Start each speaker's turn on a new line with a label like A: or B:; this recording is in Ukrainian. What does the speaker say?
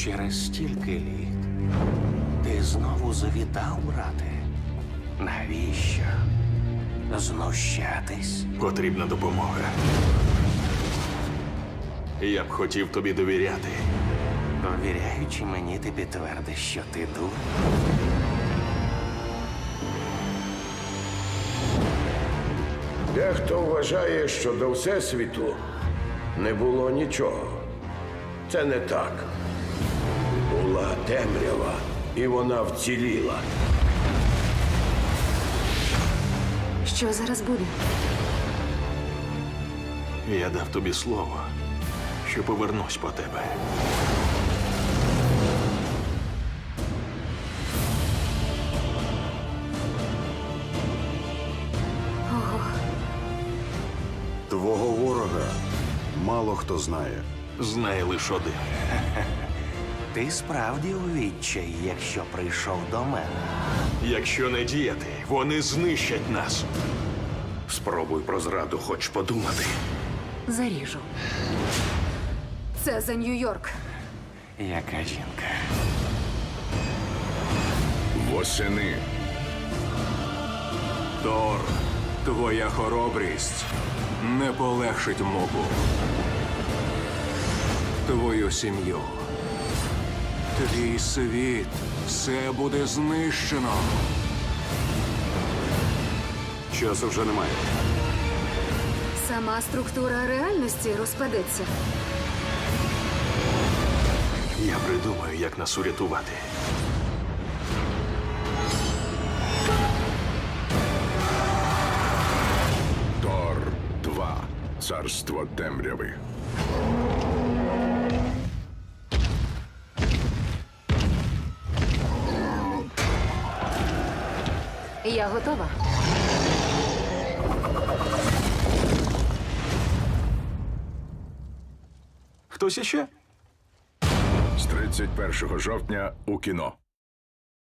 A: Через стільки літ ти знову завітав, брате. Навіщо? Знущатись?
B: Потрібна допомога. Я б хотів тобі довіряти.
A: Довіряючи мені, ти підтвердиш, що ти дур.
C: Дехто вважає, що до Всесвіту не було нічого. Це не так. Була темрява, і вона вціліла.
D: Що зараз буде?
B: Я дав тобі слово, що повернусь по тебе.
E: Твого ворога мало хто знає.
B: Знає лише один.
A: Ти справді у відчаї, якщо прийшов до мене.
B: Якщо не діяти, вони знищать нас.
C: Спробуй про зраду хоч подумати.
D: Заріжу. Це за Нью-Йорк.
A: Яка жінка?
C: Восени.
F: Тор, твоя хоробрість не полегшить мобу. Твою сім'ю. Твій світ. Все буде знищено.
E: Часу вже немає.
D: Сама структура реальності розпадеться.
B: Я придумаю, як нас урятувати.
C: Тор 2. Царство темряви.
D: Я готова.
B: Хтось іще?
C: З 31 жовтня у кіно.